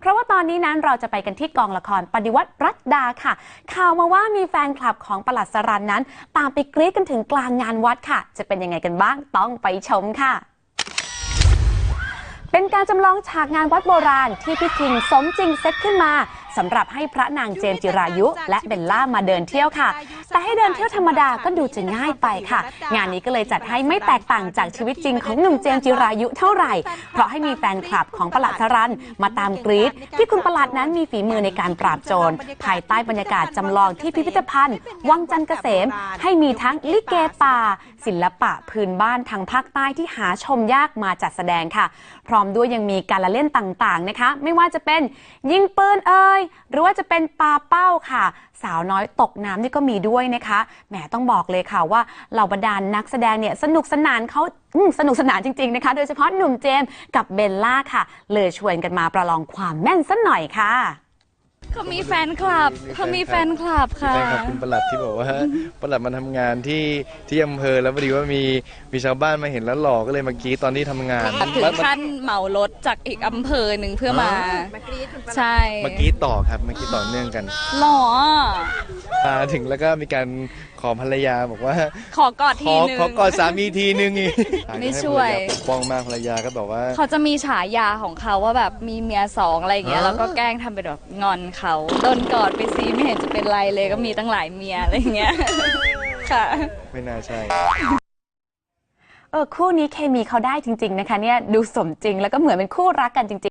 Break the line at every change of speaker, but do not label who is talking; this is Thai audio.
เพราะว่าตอนนี้นั้นเราจะไปกันที่กองละครปฏิวัติรัตดาค่ะข่าวมาว่ามีแฟนคลับของปลัดสรัญนั้นตามไปกรี๊ดกันถึงกลางงานวัดค่ะจะเป็นยังไงกันบ้างต้องไปชมค่ะเป็นการจำลองฉากงานวัดโบราณที่พี่คิงสมจริงเซตขึ้นมาสำหรับให้พระนางเจมส์จิรายุและเบลล่ามาเดินเที่ยวค่ะแต่ให้เดินเที่ยวธรรมดาก็ดูจะง่ายไปค่ะงานนี้ก็เลยจัดให้ไม่แตกต่างจากชีวิตจริงของหนุ่มเจมส์จิรายุเท่าไหร่เพราะให้มีแฟนคลับของปลัดสรัญมาตามกรี๊ดที่คุณปลัดนั้นมีฝีมือในการปราบโจรภายใต้บรรยากาศจำลองที่พิพิธภัณฑ์วังจันทร์เกษมให้มีทั้งลิเกป่าศิลปะพื้นบ้านทางภาคใต้ที่หาชมยากมาจัดแสดงค่ะพร้อมด้วยยังมีการละเล่นต่างๆนะคะไม่ว่าจะเป็นยิงปืนหรือว่าจะเป็นปาเป้าค่ะสาวน้อยตกน้ำนี่ก็มีด้วยนะคะแหมต้องบอกเลยค่ะว่าเหล่าบรรดานักแสดงเนี่ยสนุกสนานจริงๆนะคะโดยเฉพาะหนุ่มเจมส์กับเบลล่าค่ะเลยชวนกันมาประลองความแม่นสักหน่อยค่ะ
เขามีแฟนคลับค่ะ
แฟนคลับคุณปลัดที่บอกว่าปลัดมาทำงานที่อำเภอแล้วพอดีว่ามีชาวบ้านมาเห็นแล้วหล่อก็เลยมากรี๊ดตอนที่ทำงาน
ถึงขั้นเหมารถจากอีกอำเภอหนึ่งเพื่อมาใช่
มากรี๊ดต่อครับมากรี๊ดต่อเนื่องกัน
หล่อ
มาถึงแล้วก็มีการขอภรรยาบอกว่า
ขอกอดทีนึง
ขอกอดสามีทีนึงอีก
ไม่ช่วย
ปกป้องมากภรรยาก็บอกว่า
เขาจะมีฉายาของเขาว่าแบบมีเมีย2อะไรอย่างเงี้ยแล้วก็แกล้งทำเป็นแบบงอนเขาโดนกอดไปซีไม่เห็นจะเป็นไรเลยก็มีตั้งหลายเมียอะไรอย่างเงี้ยค่ะ
ไม่น่าใช่
คู่นี้เคมีเขาได้จริงๆนะคะเนี่ยดูสมจริงแล้วก็เหมือนเป็นคู่รักกันจริงๆ